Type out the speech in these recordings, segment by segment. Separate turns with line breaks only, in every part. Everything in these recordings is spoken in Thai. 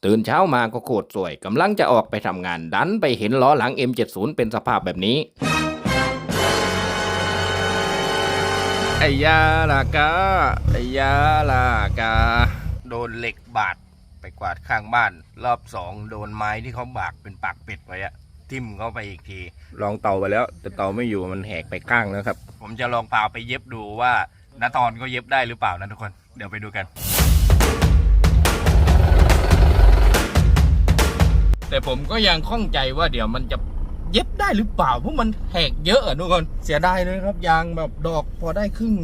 ตื่นเช้ามาก็โคตรสวยกำลังจะออกไปทำงานดันไปเห็นล้อหลัง M70 เป็นสภาพแบบนี้ไอ้ยาลากาไอ้ยาลากาโดนเหล็กบาดไปกวาดข้างบ้านรอบสองโดนไม้ที่เขาบากเป็นปากเป็ดไว้อะทิ่มเข้าไปอีกทีลองเตาไปแล้วแต่เตาไม่อยู่มันแหกไปข้างแล้วครับผมจะลองพาไปเย็บดูว่าณตอนก็เย็บได้หรือเปล่านะทุกคนเดี๋ยวไปดูกันแต่ผมก็ยังข้องใจว่าเดี๋ยวมันจะเย็บได้หรือเปล่าเพราะมันแหกเยอะทุกคนเสียดายเลยครับยางแบบดอกพอได้ครึ่ง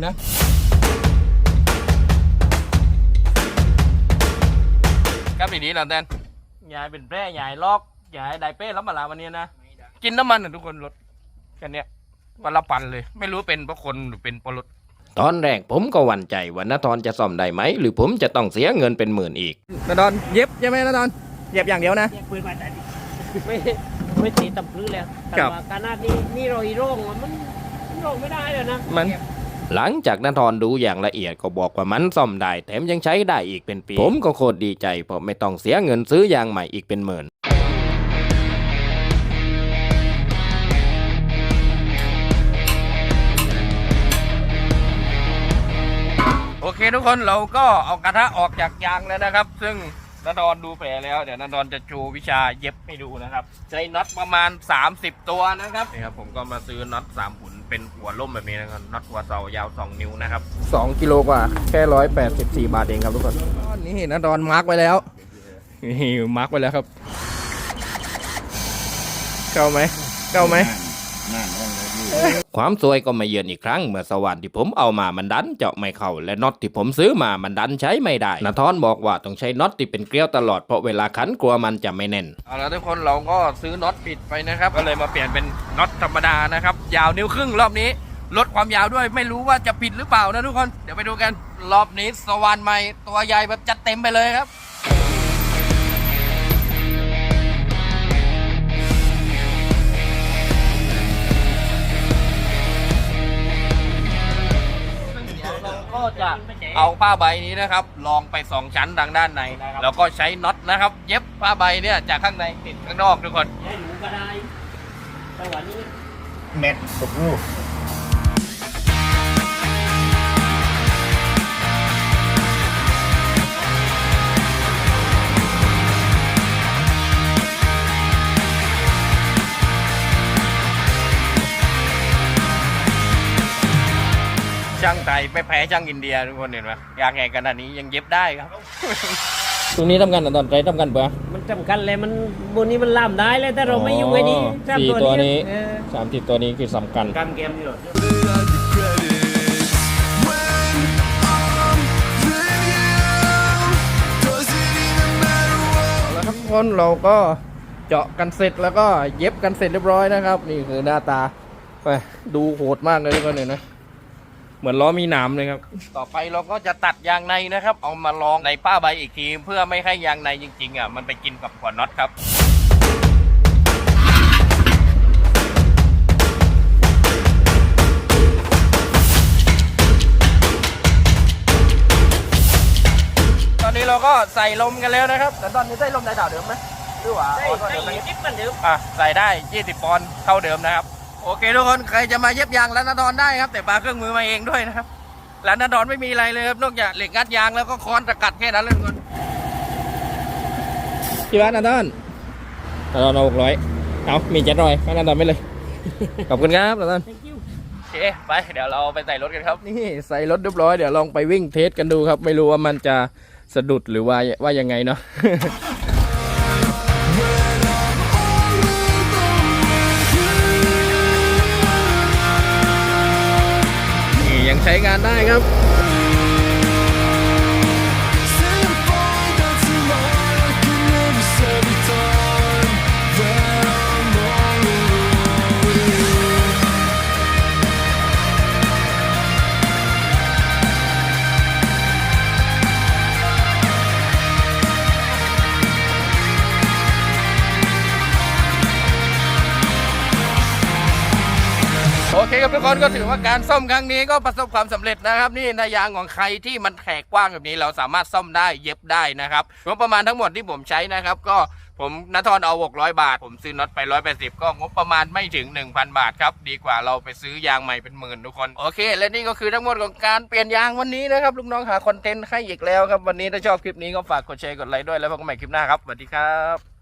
นะครับทีนี้เราแดนยายเป็นแพร่ยายลอกยายได้เป้รับมาลาวันนี้นะกินน้ำมันทุกคนรถกันเนี้ยวันละปันเลยไม่รู้เป็นเพราะคนหรือเป็นเพราะรถตอนแรกผมก็หวั่นใจว่าณตอนจะซ่อมได้ไหมหรือผมจะต้องเสียเงินเป็นหมื่นอีกณตอนเย็บใช่ไหมณตอนเย็บอย่างเดียวนะ
ปืนมาแต่ไม่ตีตำพื้นแล้วแต่ว่าการนาดนี่รอยโร่งมันโร่งไม่ได้เลยนะ
มันหลังจากณตอนดูอย่างละเอียดก็บอกว่ามันซ่อมได้แถมยังใช้ได้อีกเป็นปีผมก็โคตรดีใจเพราะไม่ต้องเสียเงินซื้อยางใหม่อีกเป็นหมื่นโอเคทุกคนเราก็เอากระทะออกจากยางแล้วนะครับซึ่งณตอนดูแผลแล้วเดี๋ยวณตอนจะโชว์วิชาเย็บให้ดูนะครับใช้น็อตประมาณ30ตัวนะครับนี่ครับผมก็มาซื้อน็อต3 หุ่นเป็นหัวล่มแบบนี้นะครับน็อตหัวเสายาว2 นิ้วนะครับ2 กิโลกว่าแค่184 บาทเองครับทุกคนนี่ณตอนมาร์กไว้แล้วนี่มาร์กไว้แล้วครับเข้าไหมความสวยก็มาเยือนอีกครั้งเมื่อสว่านที่ผมเอามามันดันเจาะไม่เข้าและน็อตที่ผมซื้อมามันดันใช้ไม่ได้ณทอนบอกว่าต้องใช้น็อตที่เป็นเกลียวตลอดเพราะเวลาขันกลัวมันจะไม่แน่นเอาละทุกคนเราก็ซื้อน็อตผิดไปนะครับก็เลยมาเปลี่ยนเป็นน็อตธรรมดานะครับยาวนิ้วครึ่งรอบนี้ลดความยาวด้วยไม่รู้ว่าจะผิดหรือเปล่านะทุกคนเดี๋ยวไปดูกันรอบนี้สว่านใหม่ตัวใหญ่แบบจัดเต็มไปเลยครับก็จะเอาผ้าใบนี้นะครับลองไป2 ชั้นทางด้านในนะครับแล้วก็ใช้น็อตนะครับเย็บผ้าใบเนี่ยจากข้างในติดข้างนอกทุกคน
ใช้หนูก็ได้แต่วันนี้
เม็ดสุกลูก
ช่างไทยไม่แพ้ช่างอินเดียทุกคนเห็นไหมยางแหงขนาดนี้ยังเย็บได้ครับตรงนี้ทำกันตอนใจทำกันเปล่า
มันจำกันเลยมันบนนี้มันล่ามได้เลยแต่เราไม่ยุ่งไอ้นี่
4 ตัวนี้30 ตัวนี้คือสำคัญ
การเกมนี่หรอ
แล้วทุกคนเราก็เจาะกันเสร็จแล้วก็เย็บกันเสร็จเรียบร้อยนะครับนี่คือหน้าตาไปดูโหดมากเลยทุกคนเห็นไหมเหมือนล้อมีหนามเลยครับต่อไปเราก็จะตัดยางในนะครับเอามาลองในผ้าใบอีกทีเพื่อไม่ให้ยางในจริงๆมันไปกินกับหัวน็อตครับตอนนี้เราก็ใส่ลมกันแล้วนะครับแต่ตอนนี้ใส่ลมได้เท่าเดิมไหมหรือว่า
ใส่จิ๊บเหมือนเดิม
ใส่ได้20 ปอนด์เท่าเดิมนะครับโอเคทุกคนใครจะมาเย็บยางร้านณดอนได้ครับแต่ปาเครื่องมือมาเองด้วยนะครับร้านณดอนไม่มีอะไรเลยครับนอกจากเหล็กงัดยางแล้วก็ค้อนตะกัดแค่นั้นเลยทุกคนกี่บาทณดอนเอา600เอามี700ณดอนไม่เลยขอบคุณครับณดอนโอเคไปเดี๋ยวเราไปใส่รถกันครับนี่ใส่รถเรียบร้อยเดี๋ยวลองไปวิ่งเทสกันดูครับไม่รู้ว่ามันจะสะดุดหรือว่ายังไงเนาะยังใช้งานได้ครับโอโอเคครับทุกคนก็ถือว่าการซ่อมครั้งนี้ก็ประสบความสำเร็จนะครับนี่นายางของใครที่มันแขกกว้างแบบนี้เราสามารถซ่อมได้เย็บได้นะครับงบประมาณทั้งหมดที่ผมใช้นะครับก็ผมณฑรเอา600 บาทผมซื้อน็อตไป180ก็งบประมาณไม่ถึง 1,000 บาทครับดีกว่าเราไปซื้อยางใหม่เป็นหมื่นทุกคนโอเคและนี่ก็คือทั้งหมดของการเปลี่ยนยางวันนี้นะครับลูกน้องหาคอนเทนต์ให้อีกแล้วครับวันนี้ถ้าชอบคลิปนี้ก็ฝากกดแชร์กดไลค์ด้วยแล้วพบกันใหม่คลิปหน้าครับสวัสดีครับ